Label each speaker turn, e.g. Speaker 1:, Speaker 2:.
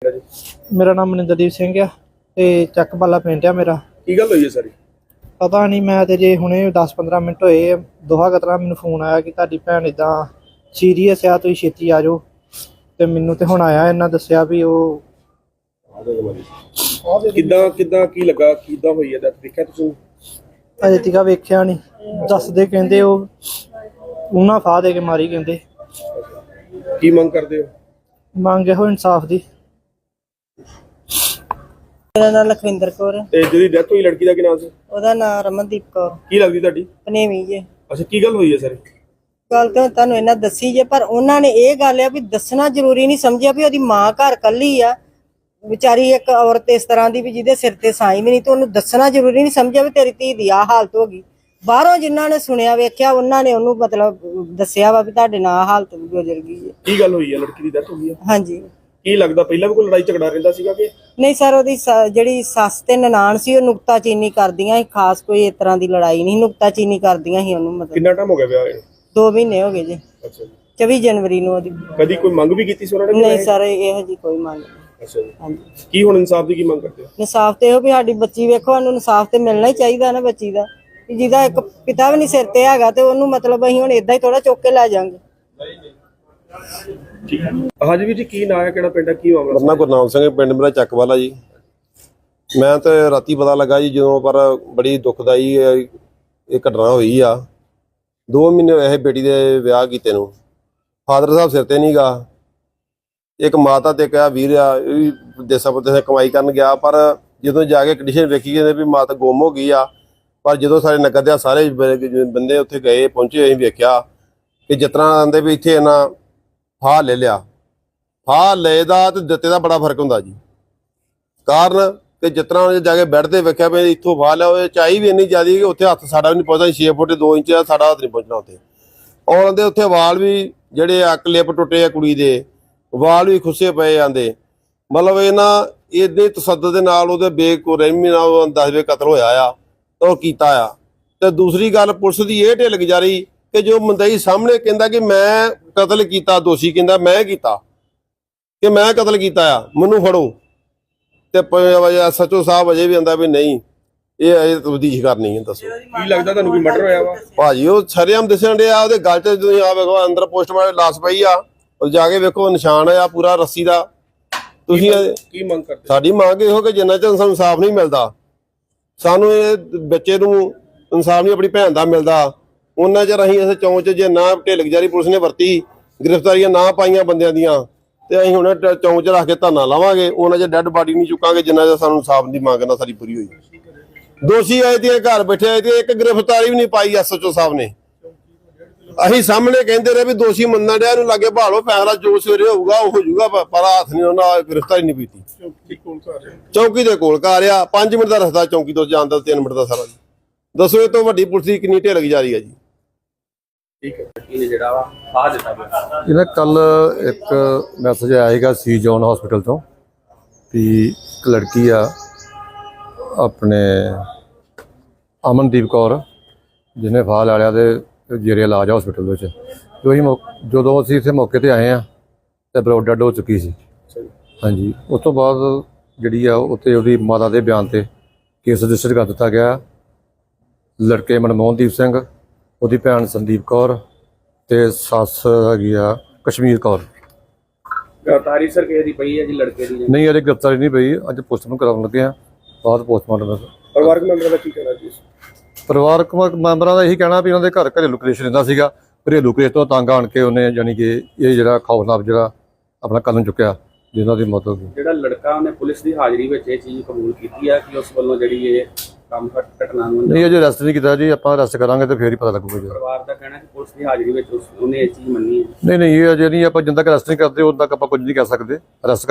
Speaker 1: मेरा नाम मनिंदरदीप सिंह है ते ਚੱਕਬਾਲਾ ਪਿੰਡ ਆ ਮੇਰਾ।
Speaker 2: ਕੀ ਗੱਲ ਹੋਈ ਹੈ ਸਾਰੀ?
Speaker 1: ਪਤਾ ਨਹੀਂ, ਮੈਂ ਤੇ ਜੇ ਹੁਣੇ 10-15 ਮਿੰਟ ਹੋਏ ਦੋਹਾ ਕਤਰਾ ਮੈਨੂੰ ਫੋਨ ਆਇਆ ਕਿ ਤੁਹਾਡੀ ਭੈਣ ਇਦਾਂ ਸੀਰੀਅਸ ਆ, ਤੁਸੀਂ ਛੇਤੀ ਆ ਜਾਓ। ਤੇ ਮੈਨੂੰ ਤੇ ਹੁਣ ਆਇਆ, ਇਹਨਾਂ ਦੱਸਿਆ ਵੀ ਉਹ
Speaker 2: ਕਿੱਦਾਂ ਕੀ ਲੱਗਾ, ਕਿੱਦਾਂ ਹੋਈ ਹੈ? ਦੇਖਿਆ ਤੁਸੀਂ?
Speaker 1: ਅਜੇ ਤੀਕ ਵੇਖਿਆ ਨਹੀਂ, ਦੱਸਦੇ ਕਹਿੰਦੇ ਉਹ ਉਹਨਾਂ ਫਾਹ ਦੇ ਕੇ ਮਾਰੀ ਕਹਿੰਦੇ।
Speaker 2: ਕੀ ਮੰਗ ਕਰਦੇ ਹੋ?
Speaker 1: ਮੰਗ ਇਹੋ ਇਨਸਾਫ ਦੀ।
Speaker 3: ਮੇਰਾ ਨਾਮ ਲਖਵਿੰਦਰ ਕੌਰ।
Speaker 2: ਤੇ ਜਿਹਦੀ ਡੈਥ ਹੋਈ ਲੜਕੀ ਦਾ ਕੀ ਨਾਮ ਸੀ?
Speaker 3: ਉਹਦਾ ਨਾਮ ਰਮਨਦੀਪ ਕੌਰ।
Speaker 2: ਕੀ ਲੱਗਦੀ ਤੁਹਾਡੀ?
Speaker 3: ਪਨੇਵੀ ਜੇ।
Speaker 2: ਅੱਛਾ, ਕੀ ਗੱਲ ਹੋਈ ਹੈ ਸਾਰੀ?
Speaker 3: ਗੱਲ ਤਾਂ ਤੁਹਾਨੂੰ ਇਹਨਾਂ ਦੱਸੀ ਜੇ, ਪਰ ਉਹਨਾਂ ਨੇ ਇਹ ਗੱਲ ਆ ਵੀ ਦੱਸਣਾ ਜ਼ਰੂਰੀ ਨਹੀਂ ਸਮਝਿਆ ਵੀ ਉਹਦੀ ਮਾਂ ਘਰ ਕੱਲੀ ਆ ਵਿਚਾਰੀ, ਇੱਕ ਔਰਤ ਇਸ ਤਰ੍ਹਾਂ ਦੀ ਵੀ ਜਿਹਦੇ ਸਿਰ ਤੇ ਸਾਈ ਵੀ ਨਹੀਂ, ਤੇ ਉਹਨੂੰ ਦੱਸਣਾ ਜ਼ਰੂਰੀ ਨਹੀਂ ਸਮਝਿਆ ਵੀ ਤੇਰੀ ਧੀ ਦੀ ਆਹ ਹਾਲਤ ਹੋ ਗਈ। ਬਾਹਰੋਂ ਜਿਨ੍ਹਾਂ ਨੇ ਸੁਣਿਆ ਵੇਖਿਆ ਉਹਨਾਂ ਨੇ ਉਹਨੂੰ ਮਤਲਬ ਦੱਸਿਆ ਵਾ ਵੀ ਤੁਹਾਡੇ ਨਾਲ ਆਹ ਹਾਲਤ ਗੁਜ਼ਰ ਗਈ ਹੈ।
Speaker 2: ਕੀ ਗੱਲ ਹੋਈ ਹੈ? ਲੜਕੀ ਦੀ ਡੈਥ ਹੋਈ ਹੈ?
Speaker 3: ਹਾਂਜੀ।
Speaker 2: ਕੀ ਲੱਗਦਾ ਪਹਿਲਾਂ ਵੀ ਕੋਈ ਲੜਾਈ ਝਗੜਾ ਰਹਿੰਦਾ ਸੀਗਾ ਕਿ
Speaker 3: ਨਹੀਂ ਸਰ, ਉਹਦੀ ਜਿਹੜੀ ਸੱਸ ਤੇ ਨਨਾਣ ਸੀ ਉਹ ਨੁਕਤਾਚੀਨੀ ਕਰਦੀਆਂ ਸੀ, ਖਾਸ ਕੋਈ ਇਸ ਤਰ੍ਹਾਂ ਦੀ ਲੜਾਈ ਨਹੀਂ, ਨੁਕਤਾਚੀਨੀ ਕਰਦੀਆਂ ਸੀ ਉਹਨੂੰ। ਮਤਲਬ
Speaker 2: ਕਿੰਨਾ ਟਾਈਮ ਹੋ ਗਿਆ ਵਿਆਹ ਨੂੰ? 2
Speaker 3: ਮਹੀਨੇ ਹੋ ਗਏ ਜੀ।
Speaker 2: ਅੱਛਾ ਜੀ।
Speaker 3: 24 ਜਨਵਰੀ ਨੂੰ ਉਹਦੀ।
Speaker 2: ਕਦੀ ਕੋਈ ਮੰਗ ਵੀ ਕੀਤੀ ਸੀ ਉਹਨਾਂ ਨੇ?
Speaker 3: ਨਹੀਂ ਸਰ, ਇਹੋ ਜੀ ਕੋਈ ਮੰਗ ਨਹੀਂ।
Speaker 2: ਅੱਛਾ ਜੀ।
Speaker 3: ਹਾਂਜੀ।
Speaker 2: ਕੀ ਹੁਣ ਇਨਸਾਫ ਦੀ ਕੀ ਮੰਗ ਕਰਦੇ ਹੋ?
Speaker 3: ਇਨਸਾਫ ਤੇ ਇਹੋ ਵੀ ਸਾਡੀ ਬੱਚੀ, ਵੇਖੋ ਸਾਨੂੰ ਇਨਸਾਫ ਤੇ ਮਿਲਣਾ ਹੀ ਚਾਹੀਦਾ ਨਾ ਬੱਚੀ ਦਾ, ਜਿਹਦਾ ਇੱਕ ਪਿਤਾ ਵੀ ਨਹੀਂ ਸਿਰ ਤੇ ਹੈਗਾ, ਤੇ ਉਹਨੂੰ ਮਤਲਬ ਅਸੀਂ ਹੁਣ ਏਦਾਂ ਹੀ ਥੋੜਾ ਚੁੱਕ ਕੇ ਲੈ ਜਾਾਂਗੇ।
Speaker 2: ਠੀਕ ਹੈ। ਹਾਂਜੀ ਵੀਰ ਜੀ, ਕੀ ਨਾਂ ਹੈ, ਕਿਹੜਾ ਪਿੰਡ ਹੈ, ਕੀ ਮਾਮਲਾ?
Speaker 4: ਮੇਰਾ ਨਾਮ ਗੁਰਨਾਮ ਸਿੰਘ, ਪਿੰਡ ਮੇਰਾ ਚੱਕਵਾਲਾ ਜੀ। ਮੈਂ ਤੇ ਰਾਤੀ ਪਤਾ ਲੱਗਾ ਜੀ ਜਦੋਂ, ਪਰ ਬੜੀ ਦੁਖਦਾਈ ਇਹ ਘਟਨਾ ਹੋਈ ਆ। 2 ਮਹੀਨੇ ਹੋਏ ਬੇਟੀ ਦੇ ਵਿਆਹ ਕੀਤੇ ਨੂੰ, ਫਾਦਰ ਸਾਹਿਬ ਸਿਰ ਤੇ ਨਹੀਂ ਗਾ। ਇੱਕ ਮਾਤਾ ਤੇ ਕਿਹਾ ਵੀਰ ਆ, ਇਹ ਵੀ ਦੇਸਾਂ ਪਰਦੇਸਾਂ ਕਮਾਈ ਕਰਨ ਗਿਆ, ਪਰ ਜਦੋਂ ਜਾ ਕੇ ਕੰਡੀਸ਼ਨ ਵੇਖੀ ਕਹਿੰਦੇ ਵੀ ਮਾਤਾ ਗੁੰਮ ਹੋ ਗਈ ਆ। ਪਰ ਜਦੋਂ ਸਾਡੇ ਨਗਰ ਦੇ ਸਾਰੇ ਬੰਦੇ ਉੱਥੇ ਗਏ ਪਹੁੰਚੇ, ਅਸੀਂ ਵੇਖਿਆ ਕਿ ਜਿਸ ਤਰ੍ਹਾਂ ਆਂਦੇ ਵੀ ਇੱਥੇ ਇਹਨਾਂ ਫਾਹ ਲੈ ਲਿਆ। ਫਾਹ ਲਏ ਦਾ ਤੇ ਦਿੱਤੇ ਦਾ ਬੜਾ ਫਰਕ ਹੁੰਦਾ ਜੀ। ਕਾਰਨ ਕਿ ਜਿਸ ਤਰ੍ਹਾਂ ਜਾ ਕੇ ਬੈੱਡ ਤੇ ਵੇਖਿਆ ਵੀ ਇੱਥੋਂ ਫਾਹ ਲਿਆ, ਉਹ ਚਾਈ ਵੀ ਇੰਨੀ ਜ਼ਿਆਦਾ ਕਿ ਉੱਥੇ ਹੱਥ ਸਾਡਾ ਵੀ ਨਹੀਂ ਪਹੁੰਚਦਾ। 6 ਫੁੱਟ 2 ਇੰਚ ਆ, ਸਾਡਾ ਹੱਥ ਨਹੀਂ ਪਹੁੰਚਣਾ ਉੱਥੇ। ਔਰ ਉਹਦੇ ਉੱਥੇ ਵਾਲ ਵੀ ਜਿਹੜੇ ਆ ਕਲਿੱਪ ਟੁੱਟੇ ਆ, ਕੁੜੀ ਦੇ ਵਾਲ ਵੀ ਖੁੱਸੇ ਪਏ ਜਾਂਦੇ। ਮਤਲਬ ਇਹਨਾਂ ਇਹਦੇ ਤਸੱਦਦ ਦੇ ਨਾਲ ਉਹਦੇ ਬੇਰਹਿਮੀ ਨਾਲ 10 ਵੇ ਕਤਲ ਹੋਇਆ ਆ, ਉਹ ਕੀਤਾ ਆ। ਤੇ ਦੂਸਰੀ ਗੱਲ, ਪੁਲਿਸ ਦੀ ਇਹ ਢਿੱਲ ਗੁਜ਼ਾਰੀ ਕਿ ਜੋ ਮੰਦਈ ਸਾਹਮਣੇ ਕਹਿੰਦਾ ਕਿ ਮੈਂ ਕਤਲ ਕੀਤਾ, ਦੋਸ਼ੀ ਕਹਿੰਦਾ ਮੈਂ ਕੀਤਾ, ਕਿ ਮੈਂ ਕਤਲ ਕੀਤਾ ਆ, ਮੈਨੂੰ ਫੜੋ। ਤੇ SHO ਸਾਹਿਬ ਅਜੇ ਵੀ ਆਂਦਾ ਵੀ ਨਹੀਂ, ਇਹ ਅਜੇ ਤਬਦੀਸ਼ ਕਰਨੀ ਹੈ। ਦੱਸੋ
Speaker 2: ਕੀ ਲੱਗਦਾ ਤੁਹਾਨੂੰ, ਕੋਈ ਮਰਡਰ ਹੋਇਆ ਵਾ?
Speaker 4: ਭਾਜੀ ਉਹ ਸ਼ਰੇਆਮ ਦਿਸਣ ਡਿਆ, ਉਹਦੇ ਗਲ 'ਚ ਤੁਸੀਂ ਆ ਵੇਖੋ, ਅੰਦਰ ਪੋਸਟਮਾਰਟਮ ਲਾਸ਼ ਪਈ ਆ, ਉਹ ਜਾ ਕੇ ਵੇਖੋ ਨਿਸ਼ਾਨ ਆ ਪੂਰਾ ਰੱਸੀ ਦਾ। ਤੁਸੀਂ
Speaker 2: ਕੀ ਮੰਗ ਕਰਦੇ?
Speaker 4: ਸਾਡੀ ਮੰਗ ਇਹੋ ਕਿ ਜਿੰਨਾ ਚਿਰ ਸਾਨੂੰ ਇਨਸਾਫ ਨਹੀਂ ਮਿਲਦਾ, ਸਾਨੂੰ ਇਹ ਬੱਚੇ ਨੂੰ ਇਨਸਾਫ ਨਹੀਂ ਆਪਣੀ ਭੈਣ ਦਾ ਮਿਲਦਾ, ਉਹਨਾਂ ਚਿਰ ਅਸੀਂ ਇਸ ਚੌਂਚ ਜੇ ਨਾ ਢਿੱਲ ਗੁਜ਼ਾਰੀ ਪੁਲਿਸ ਨੇ ਵਰਤੀ, ਗ੍ਰਿਫਤਾਰੀਆਂ ਨਾ ਪਾਈਆਂ ਬੰਦਿਆਂ ਦੀਆਂ, ਤੇ ਅਸੀਂ ਹੁਣ ਚੌਂਚ ਰੱਖ ਕੇ ਧਰਨਾ ਲਾਵਾਂਗੇ। ਉਹਨਾਂ ਚਿਰ ਡੈੱਡ ਬਾਡੀ ਨਹੀਂ ਚੁੱਕਾਂਗੇ ਜਿੰਨਾ ਚਿਰ ਸਾਨੂੰ ਇਨਸਾਫ ਦੀ ਮੰਗ ਨਾ ਸਾਡੀ ਪੂਰੀ ਹੋਈ। ਦੋਸ਼ੀ ਆਏ ਤੇ ਘਰ ਬੈਠੇ ਆਏ ਤੇ ਇੱਕ ਗ੍ਰਿਫਤਾਰੀ ਵੀ ਨਹੀਂ ਪਾਈ SHO ਸਾਹਿਬ ਨੇ। ਅਸੀਂ ਸਾਹਮਣੇ ਕਹਿੰਦੇ ਰਹੇ ਵੀ ਦੋਸ਼ੀ ਮੰਨਣ ਡਿਆ, ਇਹਨੂੰ ਲਾਗੇ ਭਾਲੋ, ਫੈਸਲਾ ਜੋ ਸਵੇਰੇ ਹੋਊਗਾ ਉਹ ਹੋ ਜਾਊਗਾ, ਪਰ ਹੱਥ ਨਹੀਂ ਉਹਨਾਂ ਗ੍ਰਿਫਤਾਰੀ ਨਹੀਂ ਪੀਤੀ। ਚੌਂਕੀ ਦੇ ਕੋਲ ਘਰ ਆ, 5 ਮਿੰਟ ਦਾ ਰਸਤਾ ਚੌਂਕੀ ਤੋਂ ਜਾਣ ਦਾ, 3 ਮਿੰਟ ਦਾ ਸਾਰਾ। ਦੱਸੋ ਇਹ ਤੋਂ ਵੱਡੀ ਪੁਲਿਸ ਦੀ ਕਿੰਨੀ ਢਿੱਲ ਗੁਜ਼ਾਰੀ ਆ ਜੀ।
Speaker 2: ਠੀਕ ਹੈ। ਇਹਨੇ ਜਿਹੜਾ ਵਾ ਆ ਦਿੱਤਾ
Speaker 5: ਇਹਨਾਂ ਕੱਲ ਇੱਕ ਮੈਸੇਜ ਆਇਆ ਸੀਗਾ ਸੀ ਜੋਨ ਹਸਪੀਟਲ ਤੋਂ ਵੀ ਇੱਕ ਲੜਕੀ ਆ ਆਪਣੇ ਅਮਨਦੀਪ ਕੌਰ, ਜਿਹਨੇ ਫਾਹ ਲਾ ਲਿਆ ਤੇ ਜੇਰੇ ਇਲਾਜ ਹਸਪੀਟਲ ਵਿੱਚ। ਜਦੋਂ ਅਸੀਂ ਇੱਥੇ ਮੌਕੇ ਤੇ ਆਏ ਆ ਤੇ ਬਰੋਡ ਡੈਡ ਹੋ ਚੁੱਕੀ ਸੀ। ਹਾਂਜੀ, ਉਸ ਤੋਂ ਬਾਅਦ ਜਿਹੜੀ ਆ ਉੱਥੇ ਉਹਦੀ ਮਾਤਾ ਦੇ ਬਿਆਨ ਤੇ ਕੇਸ ਰਜਿਸਟਰ ਕਰ ਦਿੱਤਾ ਗਿਆ। ਲੜਕੇ ਮਨਮੋਹਨਦੀਪ ਸਿੰਘ, ਉਹਦੀ ਭੈਣ ਸੰਦੀਪ ਕੌਰ ਤੇ ਸੱਸ ਹੈਗੀ ਆ ਕਸ਼ਮੀਰ ਕੌਰ।
Speaker 2: ਗ੍ਰਿਫਤਾਰੀ ਸਰ ਕਿਸੇ ਦੀ ਪਈ ਹੈ ਜੀ ਲੜਕੇ ਦੀ?
Speaker 5: ਨਹੀਂ, ਅਜੇ ਗ੍ਰਿਫਤਾਰੀ ਨਹੀਂ ਪਈ, ਅੱਜ ਪੋਸਟਮਾਰਟਮ ਕਰਾਉਣ ਲੱਗੇ ਆ, ਬਾਅਦ ਪੋਸਟਮਾਰਟਮ।
Speaker 2: ਪਰਿਵਾਰਕ ਮੈਂਬਰਾਂ ਦਾ ਕੀ ਕਹਿਣਾ ਜੀ?
Speaker 5: ਪਰਿਵਾਰਕ ਮੈਂਬਰਾਂ ਦਾ ਇਹੀ ਕਹਿਣਾ ਵੀ ਉਹਨਾਂ ਦੇ ਘਰ ਘਰੇਲੂ ਕਲੇਸ਼ ਰਹਿੰਦਾ ਸੀਗਾ। ਘਰੇਲੂ ਕਲੇਸ਼ ਤੋਂ ਤੰਗ ਆਣ ਕੇ ਉਹਨੇ ਜਾਣੀ ਕਿ ਇਹ ਜਿਹੜਾ ਖੌਫਨਾਕ ਜਿਹੜਾ ਆਪਣਾ ਕਦਮ ਚੁੱਕਿਆ, ਜਿਹਨਾਂ ਦੀ ਮੌਤ ਹੋ ਗਈ।
Speaker 6: ਜਿਹੜਾ ਲੜਕਾ ਉਹਨੇ ਪੁਲਿਸ ਦੀ ਹਾਜ਼ਰੀ ਵਿੱਚ ਇਹ ਚੀਜ਼ ਕਬੂਲ ਕੀਤੀ ਆ ਕਿ ਉਸ ਵੱਲੋਂ ਜਿਹੜੀ ਇਹ ਕੰਮ ਘਟਨਾ ਨੂੰ
Speaker 5: ਨਹੀਂ, ਅਜੇ ਅਰੈਸਟ ਨਹੀਂ ਕੀਤਾ ਜੀ, ਆਪਾਂ ਅਰੈਸਟ ਕਰਾਂਗੇ ਤੇ ਫੇਰ ਹੀ ਪਤਾ ਲੱਗੂਗਾ ਜੀ।
Speaker 6: ਪਰਿਵਾਰ ਦਾ ਕਹਿਣਾ ਕਿ ਪੁਲਿਸ ਦੀ ਹਾਜ਼ਰੀ ਵਿੱਚ ਉਹਨੇ ਇਹ ਚੀਜ਼ ਮੰਨੀ ਹੈ।
Speaker 5: ਨਹੀਂ, ਇਹ ਅਜੇ ਨਹੀਂ, ਆਪਾਂ ਜਿੰਨਾ ਤੱਕ ਅਰੈਸਟ ਨਹੀਂ ਕਰਦੇ ਉਦੋਂ ਤੱਕ ਆਪਾਂ ਕੁਝ ਨਹੀਂ ਕਹਿ ਸਕਦੇ। ਅਰੈਸਟ